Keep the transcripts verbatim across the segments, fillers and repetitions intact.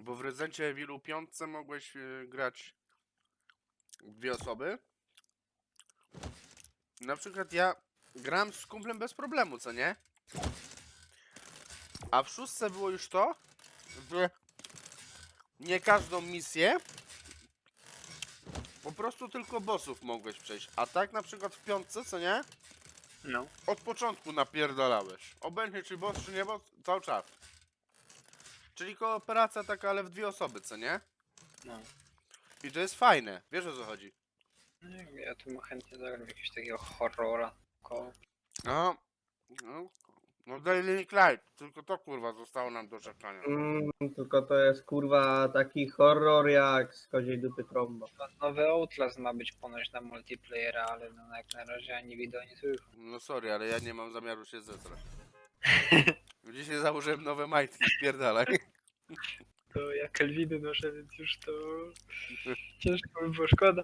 Bo w Rezydencie Evilu piątce mogłeś yy, grać dwie osoby. Na przykład ja gram z kumplem bez problemu, co nie? A w szóstce było już to, że nie każdą misję, po prostu tylko bossów mogłeś przejść. A tak na przykład w piątce, co nie? No. Od początku napierdalałeś. Obojętnie czy boss, czy nie boss, cały czas. Czyli kooperacja taka, ale w dwie osoby, co nie? No. I to jest fajne, wiesz o co chodzi. No, ja tu chętnie zagram jakiegoś takiego horrora. Koło. No, no, no Daily Light, tylko to kurwa zostało nam do czekania. Mm, tylko to jest kurwa taki horror jak z koziej dupy trąba. Nowy Outlast ma być ponoć na multiplayera, ale no jak na razie ani wideo nie słychać. No sorry, ale ja nie mam zamiaru się zetrać. Dzisiaj założyłem nowe majtki, spierdalaj. To ja Kelviny noszę, więc już to ciężko by było, szkoda.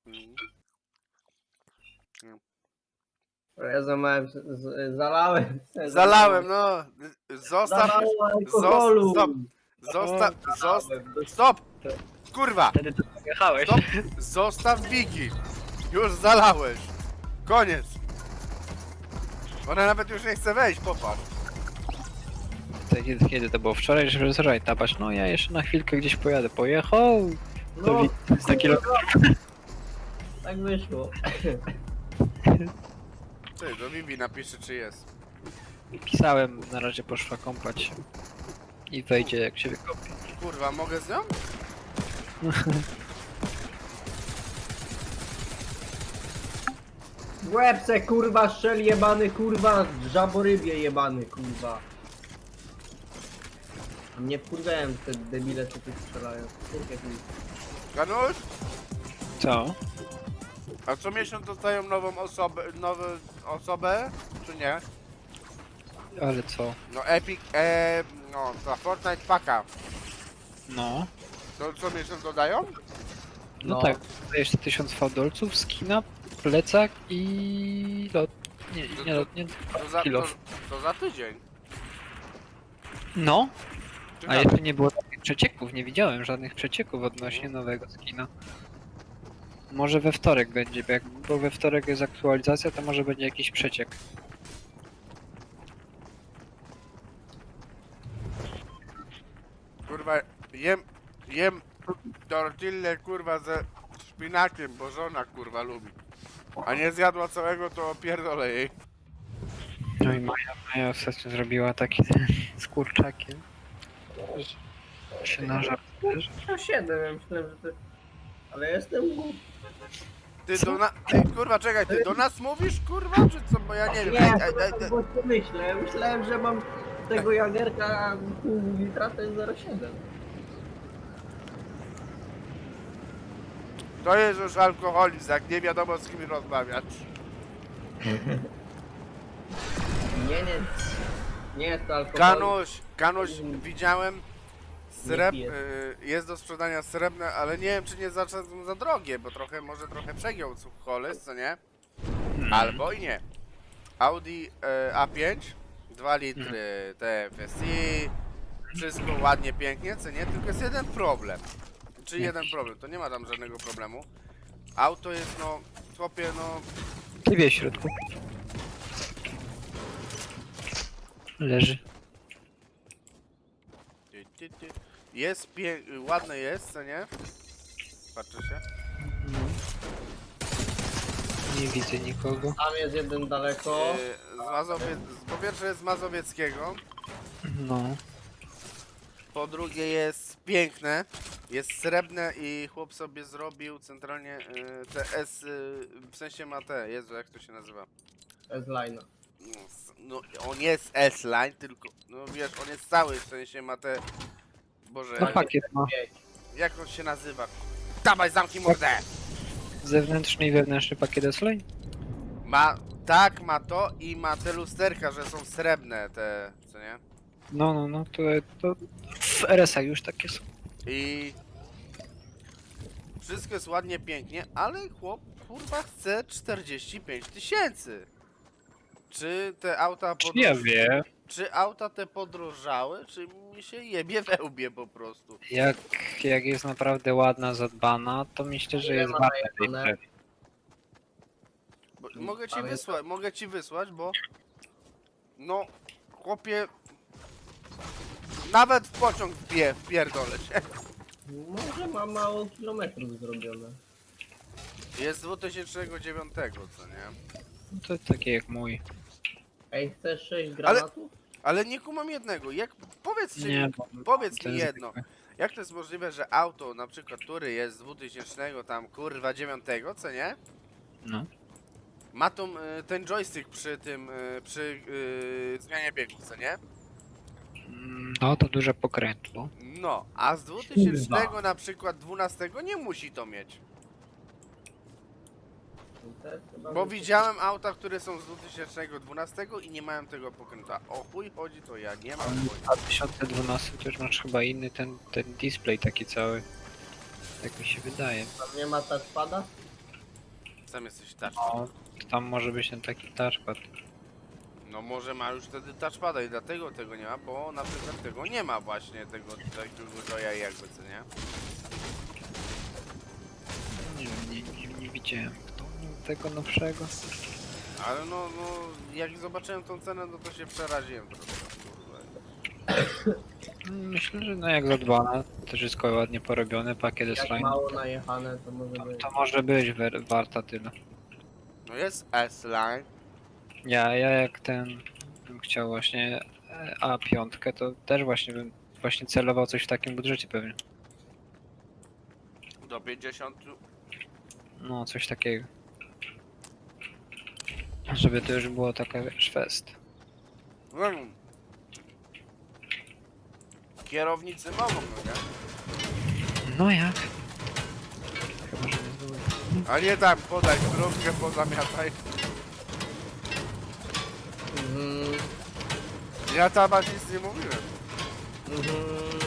Ja zamałem, z, z, zalałem. Zalałem, no. Zostaw. Zalałem alkoholu. Stop. Zostaw. Zostaw. Stop! Kurwa! Wtedy to pojechałeś. Stop! Zostaw Wiki! Już zalałeś! Koniec! Ona nawet już nie chce wejść, popatrz. To Kiedy, kiedy to było? Wczoraj, że wczoraj tapasz. No ja jeszcze na chwilkę gdzieś pojadę. Pojechał. To No, wi- sto kilometrów. tak wyszło. Ty, do Vivi napiszę czy jest. Pisałem, na razie poszła kąpać się. I wejdzie jak się wykąpie. Kurwa, mogę z nią? W łebce kurwa strzel jebany kurwa, żaborybie jebany kurwa. A mnie wkurwiałem te debile co tu strzelają. Kurwa, Ganuś? Co? A co miesiąc dostają nową osobę, nową osobę, czy nie? Ale co? No Epic, e, no ta Fortnite Paka. No. To co miesiąc dodają? No, No. tak. Dajesz tysiąc fałdolców, skina, plecak i lot. Nie, nie lot, nie. To za, to, Kilof. to za tydzień. No, Czy a za- jeszcze nie było takich przecieków, nie widziałem żadnych przecieków odnośnie nowego skina. Może we wtorek będzie, bo jak bo we wtorek jest aktualizacja, to może będzie jakiś przeciek. Kurwa, jem, jem tortillę kurwa ze szpinakiem, bo żona kurwa lubi. A nie zjadła całego, to pierdolę jej. No i Maja, Maja ostatnio zrobiła taki z kurczakiem. że Się nażar. Ja siedem, ja myślałem, że to... Ale jestem głupi. Ty do na... Ty, kurwa, czekaj, ty do nas mówisz, kurwa, czy co? Bo ja nie wiem. Nie, Ej, ej, to ej, tak ej. było myślę. Myślałem, że mam tego jagerka pół litra, to jest zero przecinek siedem. To jest już alkoholizm, jak nie wiadomo z kim rozmawiać. Nie, nie. Nie jest to alkohol. Kanuś, Kanuś, widziałem sreb... piję. y, jest do sprzedania srebrne, ale nie wiem, czy nie za, za drogie, bo trochę, może trochę przegiął holys, co nie? Albo i nie. Audi y, A pięć, dwa litry T F S I, wszystko ładnie, pięknie, co nie? Tylko jest jeden problem. Czy jeden problem, to nie ma tam żadnego problemu. Auto jest, no, chłopie, no... Ty wie w środku. Leży. Ty, ty, ty. Jest pie... ładne jest, co nie? Patrzę się. Nie widzę nikogo. Tam jest jeden daleko. Yy, z Mazowie... Po pierwsze jest z Mazowieckiego, No. po drugie jest piękne, jest srebrne i chłop sobie zrobił centralnie yy, te S, yy, w sensie ma te, Jezu, jak to się nazywa? S-line. No, s- no on jest S-line, tylko, no wiesz, on jest cały, w sensie ma te... Boże, No pakiet ma. jak on się nazywa? Dawaj, zamknij mordę! Zewnętrzny i wewnętrzny pakiet S-Line? Ma, tak, ma to i ma te lusterka, że są srebrne te, co nie? No, no, no, to, to w R S A już takie są. I wszystko jest ładnie, pięknie, ale chłop kurwa chce czterdzieści pięć tysięcy. Czy te auta Czy ja podnoś... wie? czy auta te podrożały, czy mi się jebie we łbie po prostu? Jak, jak jest naprawdę ładna, zadbana, to myślę, że Ile jest ma warta tej najechane? premii. Bo, mogę ci Pamiętam. wysłać, mogę ci wysłać, bo... No, chłopie... Nawet w pociąg wpie, wpierdolę się. Może ma mało kilometrów zrobione. Jest z dwa tysiące dziewiątego, co nie? No to takie jak mój. Ej, chcesz sześć granatów? Ale nie kumam jednego, jak... Powiedz Nie, mi, bo powiedz to mi jest jedno. zwykłe. Jak to jest możliwe, że auto, na przykład, który jest z dwutysięcznego tam, kurwa, dziewiątego, co nie? No. Ma tą, y, ten joystick przy tym, y, przy y, zmianie biegów, co nie? Mm, No to duże pokrętło. No, a z dwutysięcznego na przykład dwunastego nie musi to mieć. To jest chyba Bo wysokie. widziałem auta, które są z dwutysięcznego dwunastego i nie mają tego pokrętła. O chuj chodzi, to ja nie mam chuj. W dwa tysiące dwunastym też masz chyba inny ten, ten display taki cały. Tak mi się wydaje. Tam nie ma touchpada? Sam jesteś touch. No, tam może być ten taki touchpad. No może ma już wtedy touchpada i dlatego tego nie ma, bo na przykład tego nie ma właśnie, tego takiego joya jakby, co nie? Nie wiem, nie, nie, nie widziałem tego nowszego. Ale no, no, jak zobaczyłem tą cenę, no to się przeraziłem trochę. Kurwa. Myślę, że no jak zadbana, to wszystko ładnie porobione, pakiet jest Jak fajny. mało najechane, to może być. To może być wer- warta tyle. No jest S-Line. Ja, ja jak ten bym chciał właśnie e, A pięć, to też właśnie bym właśnie celował coś w takim budżecie pewnie. Do pięćdziesiąt. No, coś takiego. Żeby to już było taka, wiesz, fest. Mm. Kierownicy mogą, no nie? No jak? Chyba, że nie zbyłem. A nie tam, podaj drogę, pozamiataj. Mhm. Ja tam aż nic nie mówiłem. Mhm.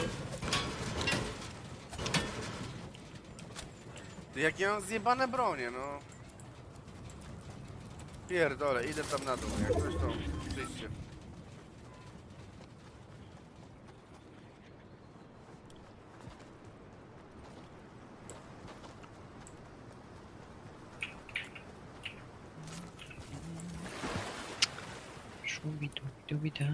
Jak ja mam zjebane bronie, no. Pierdolę, idę tam na dół, jak coś to przyjście. Szubidubidubidu.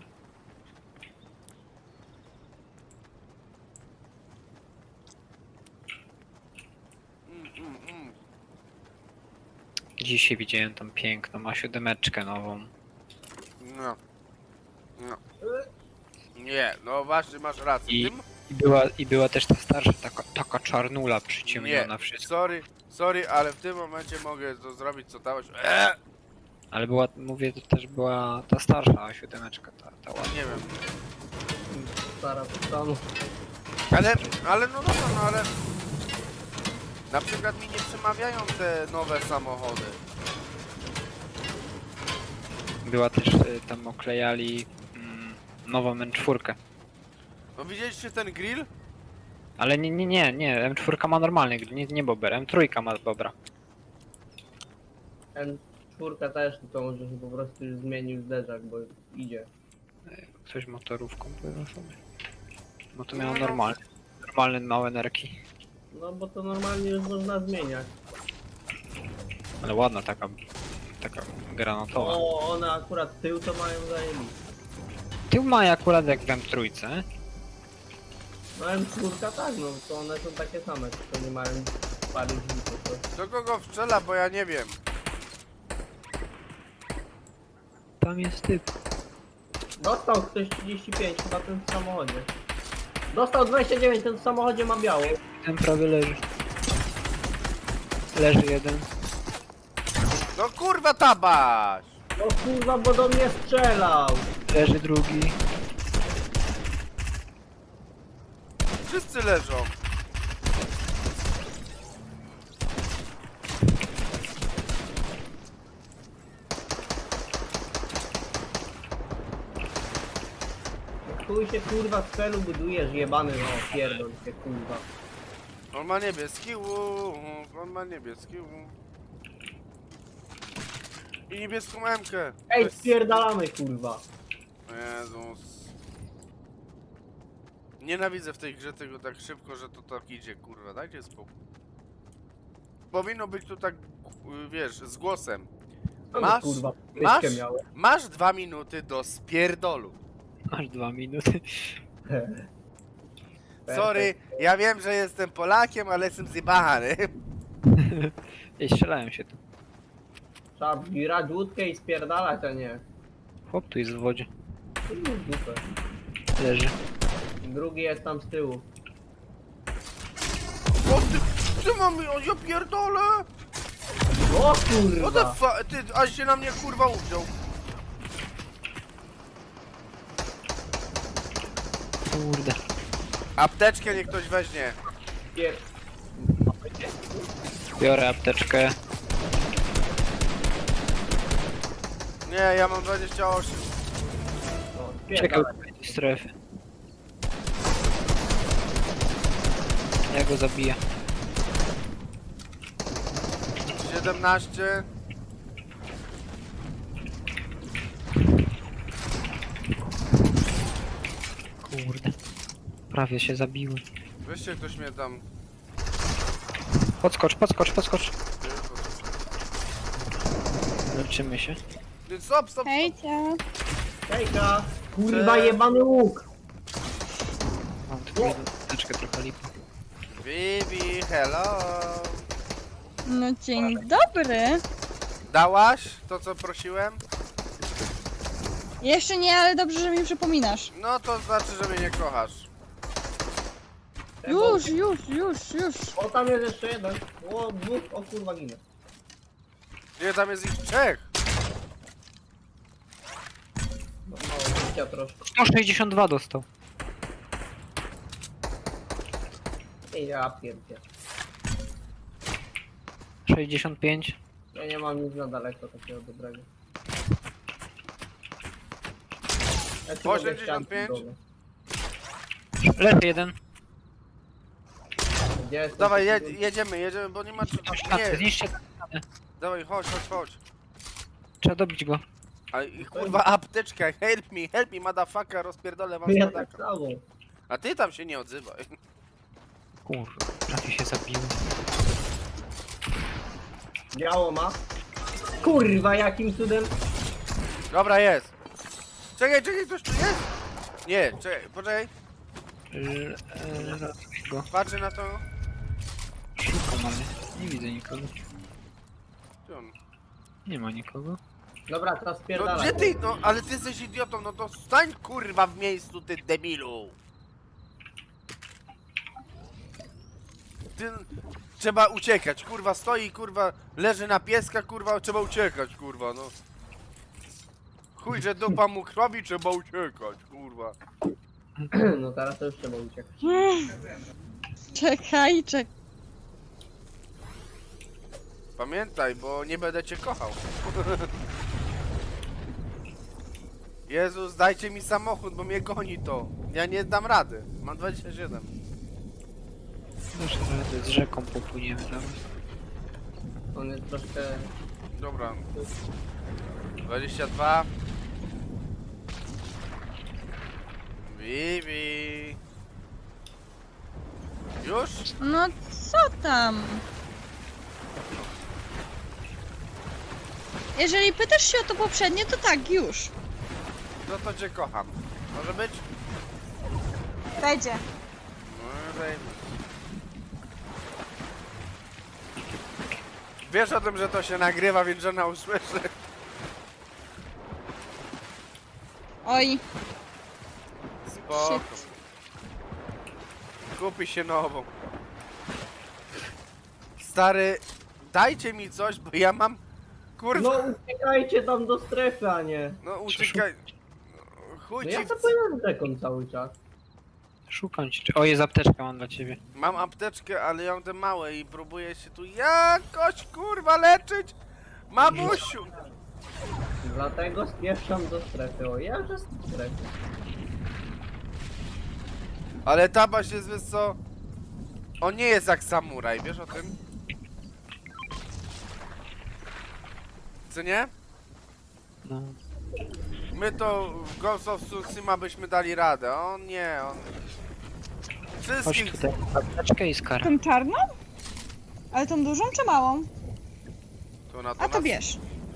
Mm, mm, mm. Dzisiaj widziałem tą piękną, ma siódemeczkę nową. No. No. Nie, no właśnie masz rację. I- Tym... I była, i była też ta starsza, taka, taka czarnula przyciemniona Nie, wszystko. sorry, sorry, ale w tym momencie mogę to zrobić co dałeś. Eee! Ale była, mówię, to też była ta starsza siódemeczka, ta, ta ładna. Nie wiem. Stara stanu. Ale, ale no dobra, no ale... Na przykład mi nie przemawiają te nowe samochody. Była też, y, tam oklejali mm, nową M cztery. No widzieliście ten grill? Ale nie, nie, nie, nie, M cztery ma normalny, grill, nie, nie bober, M trzy ma bobra. M cztery też, tylko może się po prostu już zmienił zderzak, bo idzie. Coś motorówką pływa sobie. No to miało normalny, normalny małe nerki. No bo to normalnie już można zmieniać. Ale ładna taka, taka granatowa. O, one akurat tył to mają zajęli. Tył ma akurat jak w M trzy. No M cztery tak, no to one są takie same, tylko nie mają pary drzwi po prostu. Do kogo wstrzela, bo ja nie wiem. Tam jest typ. Dostał ktoś trzydzieści pięć chyba ten w samochodzie. Dostał dwadzieścia dziewięć, ten w samochodzie ma biało. Ten prawie leży. Leży jeden. No kurwa tabaś! No kurwa, bo do mnie strzelał. Leży drugi. Wszyscy leżą. Chuj się kurwa z celu budujesz, jebany, no pierdol się kurwa. On ma niebieski łuk, on ma niebieski łuk. I niebieską emkę. To Ej, jest- spierdalamy kurwa. Jezus. Nienawidzę w tej grze tego tak szybko, że to tak idzie, kurwa, dajcie spokój. Powinno być tu tak, y, wiesz, z głosem. Co Masz, my, kurwa, masz, pyskę miałem? masz dwa minuty do spierdolu. Masz dwa minuty. Sorry, ja wiem, że jestem Polakiem, ale jestem zjebany. Ej, strzelają się tu. Trzeba grać łódkę i spierdalać, a nie. Chłop tu jest w wodzie. Kurwa, w dupę. Leży. Drugi jest tam z tyłu. O ty, ty mam, o, ja pierdolę. O What the kurwa! fuck, ty, aż się na mnie kurwa uwziął. Kurde. Apteczkę niech ktoś weźmie. Pier... Biorę apteczkę. Nie, ja mam dwadzieścia osiem. O, Czekaj spierdalaj. do strefy. Ja go zabiję. siedemnaście. Kurde. Prawie się zabiłem. Weźcie ktoś mnie tam. Podskocz, podskocz, podskocz. Leczymy się. Ty, Stop, stop, stop. Hejcia. Hejka! Kurwa Cześć. jebany łuk! Mam tylko jedną apteczkę, trochę lipa. Bibi, hello. No dzień dobry. Dałaś to, co prosiłem? Jeszcze nie, ale dobrze, że mi przypominasz. No to znaczy, że mnie nie kochasz. Już, już, już, już. O, tam jest jeszcze jeden. O, dwóch, o kurwa ginę. Nie, tam jest ich trzech. No, mało życia troszkę. sto sześćdziesiąt dwa dostał. Ej, ja pierdzie. sześćdziesiąt pięć. Ja nie mam nic na daleko takiego dobrego. Ja tu mogę osiemdziesiąt pięć? ścianki dobre. Leży jeden. Gdzie jest Dawaj, ten je, jedziemy, jedziemy, bo nie ma czy... Tą ścianę, Nie, zniszcie tę ścianę. dawaj, chodź, chodź, chodź. Trzeba dobić go. A i kurwa apteczka, help me, help me, motherfucker, rozpierdolę wam Ja tak spadaka. samo. A ty tam się nie odzywaj. Kurwa, prawie się zabiłem. Biało ma. Kurwa, jakim cudem? Dobra, jest. Czekaj, czekaj, ktoś tu jest? Nie, czekaj, poczekaj, L- e, Ratuj go. patrzę na to. Szybko mamy. Nie widzę nikogo. Gdzie on? Nie ma nikogo. Dobra, teraz No spierdalaj. gdzie ty, no, ale ty jesteś idiotą, no to stań kurwa w miejscu, ty debilu. Ty, trzeba uciekać, kurwa, stoi, kurwa, leży na pieska, kurwa, trzeba uciekać, kurwa, no. Chuj, że dupa mu krwawi, trzeba uciekać, kurwa. No teraz to już trzeba uciekać. Czekaj, czekaj. Pamiętaj, bo nie będę cię kochał. Jezus, dajcie mi samochód, bo mnie goni to. Ja nie dam rady. Mam dwadzieścia siedem. Dasz radę, z rzeką popłyniemy nawet. On jest troszkę... Dobra. dwadzieścia dwa. Bibi. Już? No co tam? Jeżeli pytasz się o to poprzednie, to tak, już. No to cię kocham. Może być? Będzie. No, daj mi. Wiesz o tym, że to się nagrywa, więc żona usłyszy. Oj, Spoko. shit. Kupi się nową. Stary, dajcie mi coś, bo ja mam... Kurwa, No uciekajcie tam do strefy, a nie. no uciekaj. Chuj No ci ja w... to powiem rzeką cały czas. Szukam cię. O, jest apteczka mam dla ciebie. Mam apteczkę, ale ja mam te małe i próbuję się tu jakoś kurwa leczyć. Mamusiu! Dlatego spieszam do strefy. O, ja że z strefy. Ale tabaś jest, wiesz co? On nie jest jak samuraj, wiesz o tym? Co nie? No. My to w Ghost of Tsushima byśmy dali radę. On nie, on... Chodź Wszystkich... tutaj, apteczkę i skara. Tą czarną? Ale tą dużą czy małą? To na to A to nas- bierz.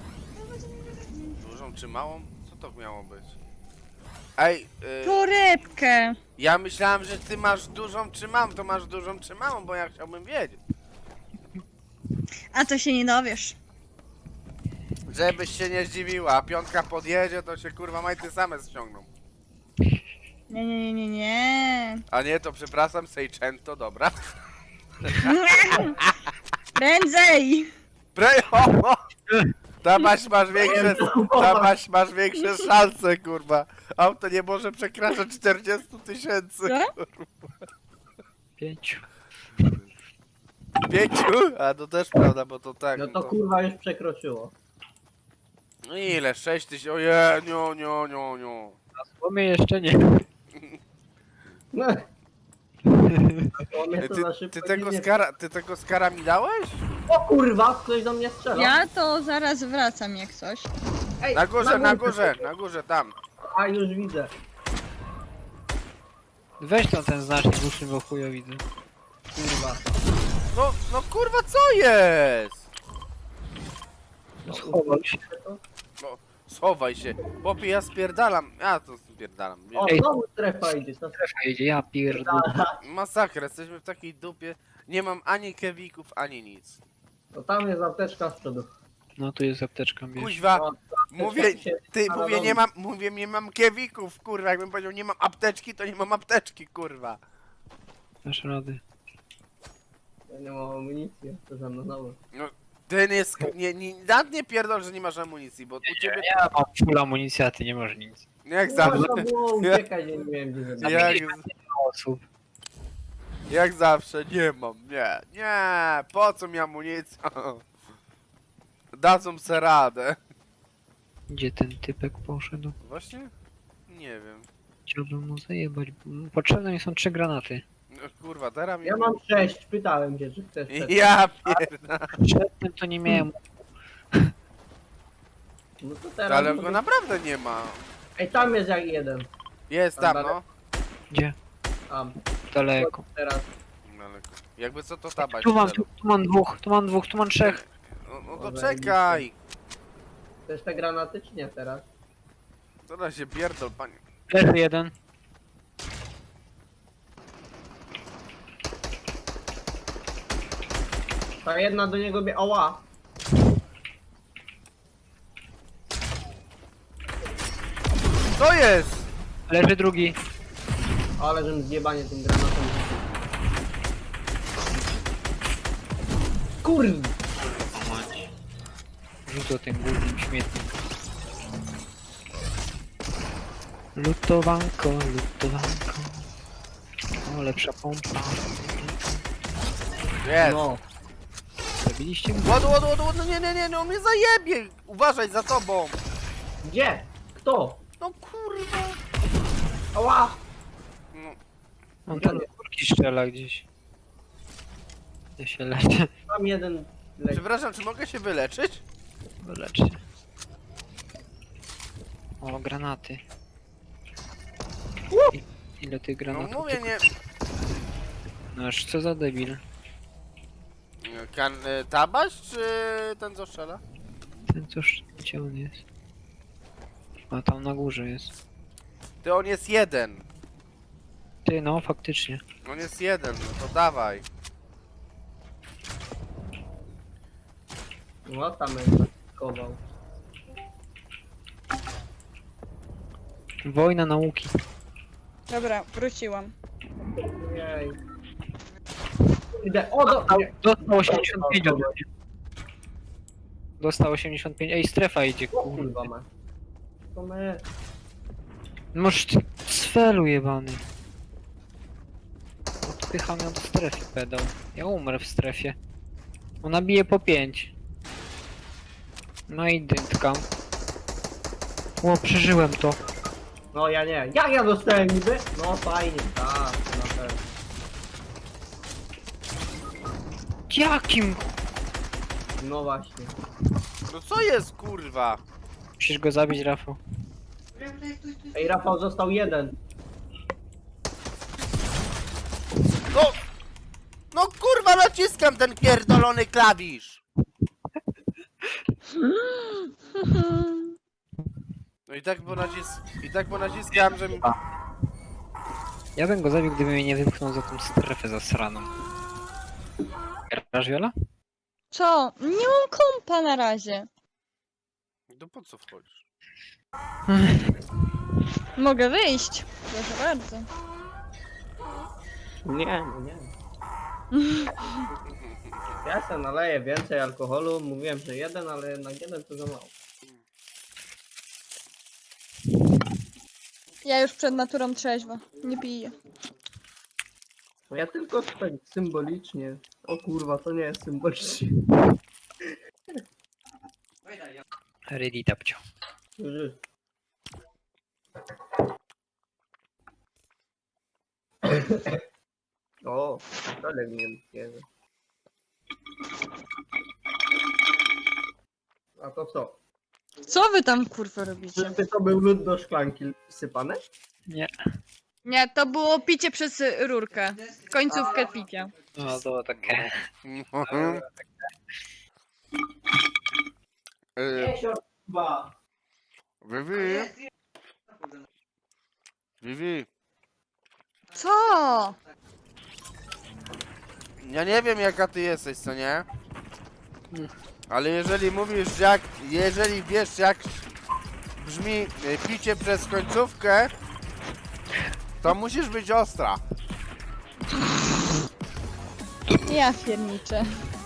Dużą czy małą? Co to miało być? Ej, y, Torebkę. ja myślałem, że ty masz dużą czy mam, to masz dużą czy małą, bo ja chciałbym wiedzieć. A to się nie dowiesz. Żebyś się nie zdziwiła, a piątka podjedzie, to się kurwa majty same ściągną. Nie, nie, nie, nie, nie. A nie, to przepraszam, Seicento, dobra. Prędzej! Pre... O, o! Tam masz, masz większe, tam masz, masz większe szanse, kurwa. Auto nie może przekraczać czterdzieści tysięcy. Co? Pięciu. Pięciu? A to też prawda, bo to tak. No to kurwa już przekroczyło. No ile? sześć tysięcy? Oje, nio, nio, nio, nio. Na słomie jeszcze nie. No. To mnie Ty, to za szybko ty, tego nie- skara, ty tego skara mi dałeś? O kurwa, ktoś do mnie strzela. Ja to zaraz wracam jak coś. Ej, Na górze, na górze, na górze, tam. A już widzę. Weź tam ten znacznik uszny, bo chujo widzę. Kurwa. No, no kurwa, co jest? Schował się. No, schowaj się. Chłopie, ja spierdalam. Ja to spierdalam. Wiesz. O, Ej. znowu strefa idzie. To Strefa jedzie, ja pierdolę. Masakra, jesteśmy w takiej dupie. Nie mam ani kewików, ani nic. To tam jest apteczka z przodu. No tu jest apteczka, bierz. Kuźwa, No, mówię, się- ty, ale mówię, dobrze. nie mam, mówię, nie mam kewików, kurwa. Jakbym powiedział, nie mam apteczki, to nie mam apteczki, kurwa. Dasz rady. Ja nie mam amunicji, to za mną znowu. Ten jest, nie, nie, nawet nie pierdol, że nie masz amunicji, bo u ciebie, Ja mam full amunicji, a ty nie masz nic. jak zawsze, Można było uciekać, nie wiem gdzie zrobić. jak, Osób. jak zawsze, nie mam, nie, nie, po co mi amunicja? Dadzą se radę. Gdzie ten typek poszedł? Właśnie? Nie wiem. Chciałbym mu zajebać. Potrzebne mi są trzy granaty. No, kurwa, teraz mi... Ja mam sześć, pytałem cię, czy chcesz też. Ja pierdolę. Przedtem to nie miałem. No to teraz... Ale mogę- go naprawdę nie ma. Ej, tam jest jak jeden. Jest tam, no. Gdzie? Tam, Daleko. teraz. Daleko. Jakby co to tabaś. Tu mam, tu, tu mam dwóch, tu mam dwóch, tu mam trzech. No, no to Dobra, czekaj. Chcesz te granaty, czy nie teraz? Teraz się pierdol, panie. Leży jeden. Ta jedna do niego bie... Oła! To jest! Leży drugi. Ale żebym zjebanie tym granatem rzucił. Kurwa! Rzucę tym głównym śmietnik. Lutowanko, lutowanko. O, lepsza pompa. Jest! No. Zabiliście mnie? Łodu, łodu, łodu, łodu, nie, nie, nie, no on mnie zajebie! Uważaj za tobą! Gdzie? Kto? No kurwa! Ała! No, On tam do górki strzela gdzieś. Ja się leczę. Tam jeden leci. przepraszam, czy mogę się wyleczyć? Lecz się. O, granaty. I- Ile tych No granatów? mówię, nie... No aż co za debil. Kan, y, tabaś, czy ten co strzela? Ten cóż, gdzie on jest? A tam na górze jest. Ty, on jest jeden. Ty, no faktycznie. On jest jeden, no to dawaj. No tam jest kował. Wojna nauki. Dobra, wróciłam. Jej. Idę. O, do... nie. Dostał osiemdziesiąt pięć ode mnie. Dostał osiemdziesiąt pięć. Ej, strefa idzie, O kurwa. kurwa ma. To my. Możesz ty cfelu jebany. Odpycham ją do strefy, pedał. Ja umrę w strefie. Ona bije po pięć. No i dyntka. O, przeżyłem to. No ja nie. Jak ja dostałem niby? No fajnie, tak, na pewno. Jakim? No właśnie. No co jest, kurwa? Musisz go zabić, Rafał. Ej, Rafał, został jeden. No! No kurwa, naciskam ten pierdolony klawisz! No i tak bo nacis... I tak bo naciskałem, że mi... Ja bym go zabił, gdyby mnie nie wypchnął za tą strefę zasraną. Grasz, Viola? Co? Nie mam kompa na razie. No po co wchodzisz? Mogę wyjść. Proszę bardzo. Nie, no nie. Ja se naleję więcej alkoholu, mówiłem, że jeden, ale jednak jeden to za mało. Ja już przed naturą trzeźwa. Nie piję. No ja tylko tak symbolicznie. O kurwa, to nie jest symbolicznie. Ready, tapcio. Już. O, ale mnie bierze. A to co? Co wy tam kurwa robicie? Czyżby to był lód do szklanki sypany? Nie. Nie, to było picie przez rurkę. Końcówkę picia. No to takie. Mhm. Y, Chyba. Vivi. Vivi. Co? Ja nie wiem jaka ty jesteś, co nie? Ale jeżeli mówisz jak... Jeżeli wiesz jak brzmi y, picie przez końcówkę, to musisz być ostra. Ja pierniczę.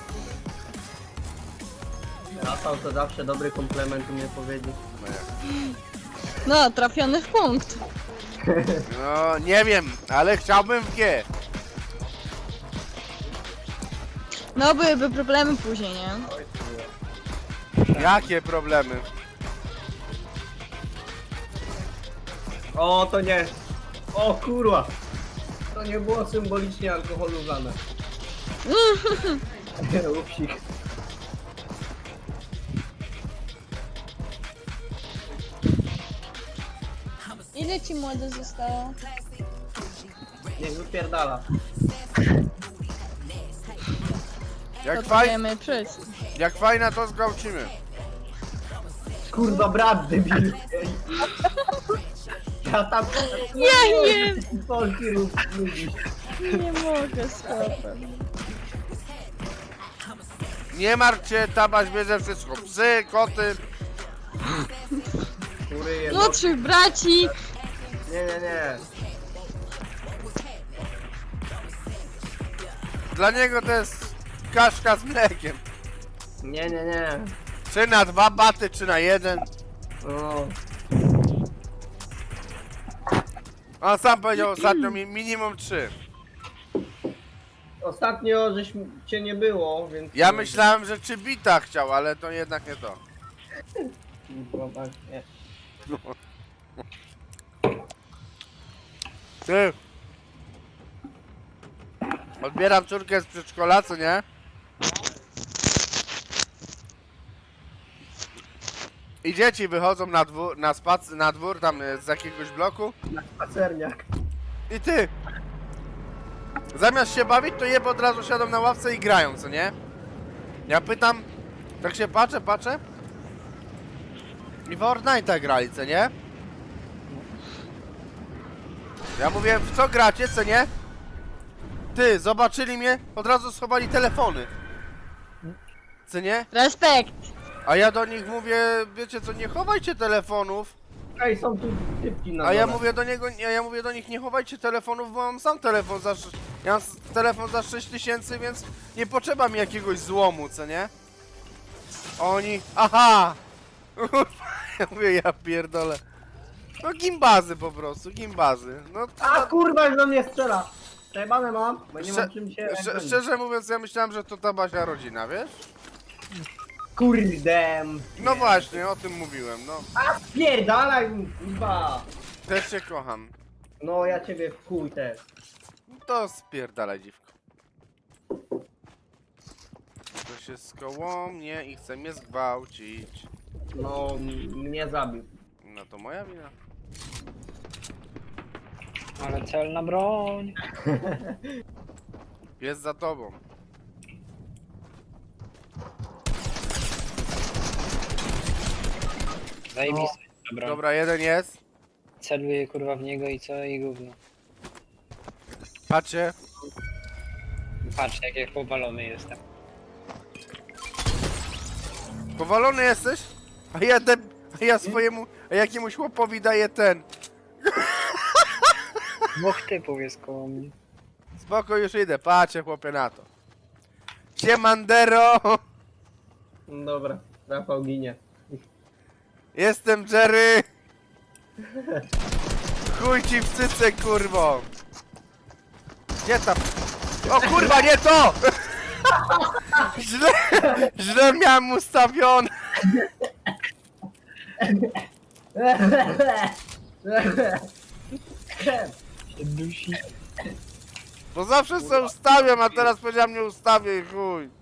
Rafał to zawsze dobry komplement umie powiedzieć. No, jak? No, trafiony w punkt. No nie wiem, ale chciałbym w G. No, byłyby problemy później, nie? Jakie problemy? O, to nie. O kurwa. To nie było symbolicznie alkoholu wlane. Upsik. Ile ci młode zostało? Niech wypierdala. Jak, To faj... wiemy wszyscy. Jak fajna to zgwałcimy. Kurwa brat debil. Ja tam... Ja nie, Polki rób ludzi. nie mogę z chłopem. Nie martw się, Tabaś bierze wszystko. Psy, koty. Kury jedno... Młodszych braci. Nie, nie, nie. Dla niego to jest kaszka z mlekiem. Nie, nie, nie. Czy na dwa baty, czy na jeden. O, On sam powiedział ostatnio mi minimum trzy. ostatnio żeś cię nie było, więc... Ja myślałem, że czy bita chciał, ale to jednak nie to. Kurwa, tak, nie. Ty. Odbieram córkę z przedszkola, co nie? I dzieci wychodzą na dwór, na spac, na dwór tam e, z jakiegoś bloku. Pacerniak. I ty. Zamiast się bawić, to jeb od razu siadą na ławce i grają, co nie? Ja pytam, tak się patrzę, patrzę. I w Fortnite'a grali, co nie? Ja mówię, w co gracie, co nie? Ty, zobaczyli mnie, od razu schowali telefony. Co nie? Respekt. A ja do nich mówię, wiecie co, nie chowajcie telefonów. Ej, są tu typki na A ja dole. mówię do niego, ja, ja mówię do nich, nie chowajcie telefonów, bo mam sam telefon za... sz- Ja mam s- telefon za sześć tysięcy, więc nie potrzeba mi jakiegoś złomu, co nie? A oni, aha! Ja mówię, ja pierdolę. No gimbazy po prostu, gimbazy. No to, A kurwa, już do mnie strzela! Przejebane mam, bo nie Szcze- mam czym się... Szcz- szczerze mówiąc, ja myślałem, że to ta Basia rodzina, wiesz? Kurde. No właśnie, o tym mówiłem, no. A spierdalaj, kurwa! Też cię kocham. No ja ciebie w chuj też. To spierdalaj, dziwko. To się koło mnie i chce mnie zgwałcić. No, m- mnie zabił. No. No to moja wina. Ale celna broń. Jest za tobą. Zajebista no. broń. Dobra, jeden jest. Celuję kurwa w niego i co? I gówno. Patrzcie. Patrz jak jak powalony jestem. Powalony jesteś? A ja, de... a ja swojemu, a jakiemuś chłopowi daję ten. Dwóch typów jest koło mnie. Spoko, już idę. Patrzcie chłopie na to. Siemandero! No dobra, Rafał ginie. Jestem Jerry! Chuj ci w cyce, kurwo! Gdzie tam? O kurwa, nie to! Źle, źle miałem ustawione! Się dusi. Bo zawsze sobie ustawiam, a teraz powiedziałem nie ustawię i chuj.